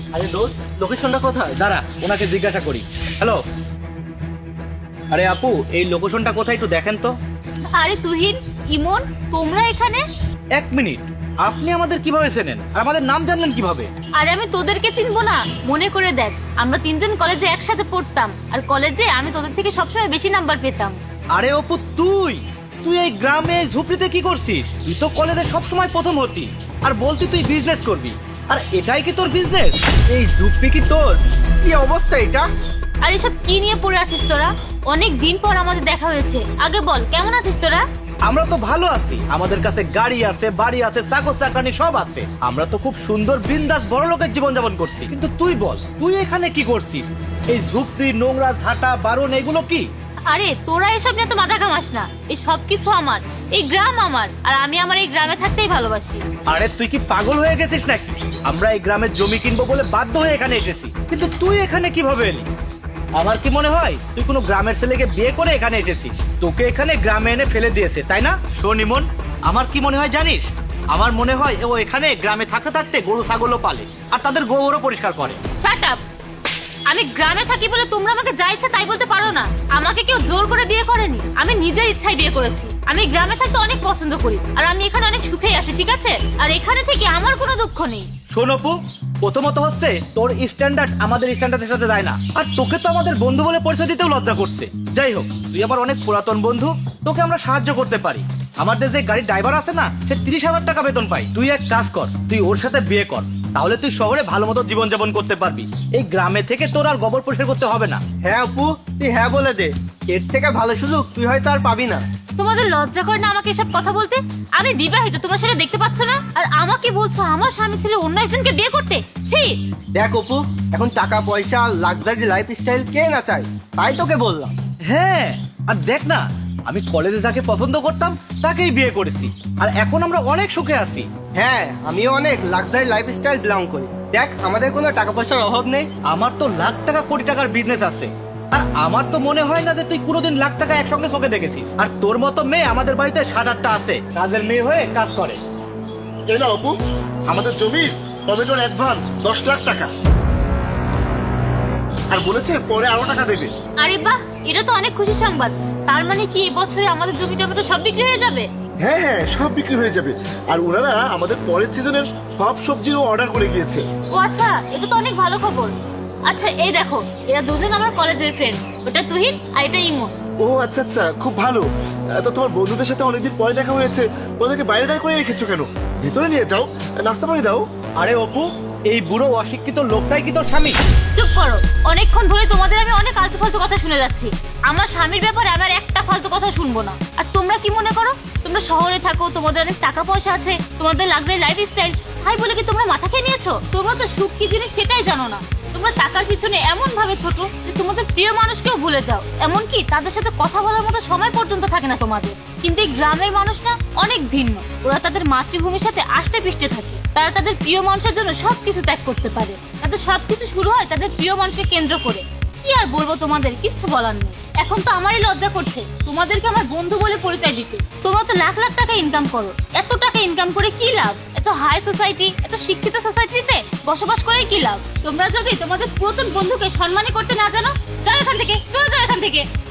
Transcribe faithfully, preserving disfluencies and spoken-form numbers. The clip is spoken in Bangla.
আরে দোস্ত, লোকেশনটা কোথায়? দাঁড়া, ওনাকে জিজ্ঞাসা করি। হ্যালো, আরে আপু, এই লোকেশনটা কোথায় একটু দেখেন তো। আরে তুহিন, ইমন, তোমরা এখানে? এক মিনিট, আপনি আমাদের কিভাবে চেনেন আর আমাদের নাম জানলেন কিভাবে? আরে আমি তোদেরকে চিনবো না? মনে করে দেখ, আমরা তিনজন কলেজে একসাথে পড়তাম, আর কলেজে আমি তোদের থেকে সবসময় বেশি নাম্বার পেতাম। আরে অপু, তুই তুই এই গ্রামে এই ঝুপড়িতে কি করছিস? তুই তো কলেজে সবসময় প্রথম হতি আর বলতি তুই বিজনেস করবি, আর এটাই কি তোর বিজনেস? এই ঝুপড়ি কি তোর? কি অবস্থা এটা? আর এসব কি নিয়ে পড়ে আছিস তোরা? অনেক দিন পর আমাদের দেখা হয়েছে, আগে বল কেমন আছিস তোরা? আমরা তো ভালো আছি, আমাদের কাছে গাড়ি আছে, বাড়ি আছে, চাকর চাকরানি সব আছে। আমরা তো খুব সুন্দর বিন্দাস বড় লোকের জীবন যাপন করছি। কিন্তু তুই বল, তুই এখানে কি করছিস? এই ঝুপড়ি, নোংরা, ঝাঁটা, বারণ এগুলো কি? আরে তোরা এসব নিয়ে তো মাথা ঘামাস না, এই সব কিছু আমার, এই গ্রাম আমার, আর আমি আমার এই গ্রামে থাকতেই ভালোবাসি। আরে তুই কি পাগল হয়ে গেছিস নাকি? আমরা এই গ্রামের জমি কিনবো বলে বাধ্য হয়ে এখানে এসেছি, কিন্তু তুই এখানে কিভাবে এলি? আমার কি মনে হয় তুই কোনো গ্রামের ছেলেকে বিয়ে করে এখানে এসেছিস, তোকে এখানে গ্রামে এনে ফেলে দিয়েছে, তাই না? শোন ইমন, আমার কি মনে হয় জানিস? আমার মনে হয় ও এখানে গ্রামে থাকতে থাকতে গরু ছাগলও পালে আর তাদের গোবরও পরিষ্কার করে। Shut up! আমি গ্রামে থাকি বলে তোমরা আমাকে যা ইচ্ছা তাই বলতে পারো না। আমাকে কেউ জোর করে বিয়ে করেনি, আমি নিজের ইচ্ছায় বিয়ে করেছি। আমি গ্রামে থাকতে অনেক পছন্দ করি, আর আমি এখানে অনেক সুখেই আছি, ঠিক আছে? আর এখানে থেকে আমার কোনো দুঃখ নেই। শোন অপু, প্রথমত হচ্ছে তোর স্ট্যান্ডার্ড আমাদের স্ট্যান্ডার্ডের সাথে যায় না, আর তোকে তো আমাদের বন্ধু বলে পরিচয় দিতেও লজ্জা করছে। যাই হোক, তুই আমার অনেক পুরাতন বন্ধু, তোকে আমরা সাহায্য করতে পারি। আমাদের যে গাড়ির ড্রাইভার আছে না, সে তিরিশ হাজার টাকা বেতন পাই। তুই এক কাজ কর, তুই ওর সাথে বিয়ে কর, তাহলে তুই শহরে ভালো মতো জীবন যাপন করতে পারবি। এই গ্রামে থেকে তোর আর গোবর পরিষ্কার করতে হবে না। হ্যাঁ অপু, তুই হ্যাঁ বলে দে, এর থেকে ভালো সুযোগ তুই হয়তো আর পাবি না। তোমাদের লজ্জা করে না আমাকে এসব কথা বলতে? আমি বিবাহিত, তোমরা সেটা দেখতে পাচ্ছ না? আর আমাকে বলছো আমার স্বামী ছেলে অন্য একজনকে বিয়ে করতে? ছি! দেখ অপু, এখন টাকা পয়সা, লাক্সারি লাইফ স্টাইল কে না চায়, তাই তোকে বললাম। হ্যাঁ, আর দেখ না, আমি কলেজে যাকে পছন্দ করতাম তাকেই বিয়ে করেছি, আর এখন আমরা অনেক সুখে আছি। হ্যাঁ, আমিও অনেক লাক্সারি লাইফ স্টাইল বিলং করি। দেখ, আমাদের কোনো টাকা পয়সার অভাব নেই। আমার তো লাখ টাকা কোটি টাকার বিজনেস আছে, আর আমার তো মনে হয় না যে তুই কোনোদিন লাখ টাকা একসঙ্গে চোখে দেখেছিস। আর তোর মতো মেয়ে আমাদের বাড়িতে সাত আটটা আছে, কাজের মেয়ে হয়ে কাজ করে। এই না অপু, আমাদের জমির টমেটোর অ্যাডভান্স দশ লাখ টাকা, আর বলেছে পরে আরো টাকা দেবে। আরে বাহ, এটা তো অনেক খুশি সংবাদ। তার মানে কি এবছরে আমাদের জমি টমেটো সব বিক্রি হয়ে যাবে? হ্যাঁ হ্যাঁ, সব বিক্রি হয়ে যাবে, আর ওনারা আমাদের পরের সিজনের সব সবজিরও অর্ডার করে গিয়েছে। ও আচ্ছা, এটা তো অনেক ভালো খবর। আচ্ছা এই দেখো, এরা দুজন আমার কলেজের ফ্রেন্ড, ওটা তুহিন আর এটা ইমন। ও আচ্ছা আচ্ছা, খুব ভালো। আহ, তো তোমার বন্ধুদের সাথে অনেকদিন পরে দেখা হয়েছে, ওদেরকে বাইরে দাঁড় করে রেখেছো কেন? ভিতরে নিয়ে যাও, নাস্তা পানি দাও। আরে অপু, এই বুড়ো অশিক্ষিত লোকটাই কি তোর স্বামী? চুপ করো, অনেকক্ষণ ধরে তোমাদের আমি অনেক আলতু ফালতু কথা শুনে যাচ্ছি। আমার স্বামীর ব্যাপারে আমার একটা ফালতু কথা শুনবো না। আর তোমরা কি মনে করো তোমরা শহরে থাকো, তোমাদের অনেক টাকা পয়সা আছে, তোমাদের লাক্সারি লাইফ স্টাইল, তাই বলে কি তোমরা মাথা খেয়ে নিয়েছো? তোমরা তো সুখ কি জিনিস সেটাই জানো না। তোমরা টাকার পিছনে এমন ভাবে ছোট যে তোমাদের প্রিয় মানুষকেও ভুলে যাও, এমনকি তাদের সাথে কথা বলার মতো সময় পর্যন্ত থাকে না তোমাদের। কিন্তু এই গ্রামের মানুষ না অনেক ভিন্ন, ওরা তাদের মাতৃভূমির সাথে আষ্টে পিষ্টে থাকে। তারা তাদের প্রিয় মানুষের জন্য সবকিছু ত্যাগ করতে পারে। তাদের সবকিছু শুরু হয় তাদের প্রিয় মানুষকে কেন্দ্র করে। কি আর বলবো, তোমাদের কিচ্ছু বলার নেই। এখন তো আমারই লজ্জা করছে তোমাদেরকে আমার বন্ধু বলে পরিচয় দিতে। তোমরা তো লাখ লাখ টাকা ইনকাম করো, এত টাকা ইনকাম করে কি লাভ? এত হাই সোসাইটি, এত শিক্ষিত সোসাইটিতে বসবাস করে কি লাভ? তোমরা যদি তোমাদের পুরাতন বন্ধুকে সম্মানই করতে না জানো, যাও এখান থেকে, চলে যাও এখান থেকে।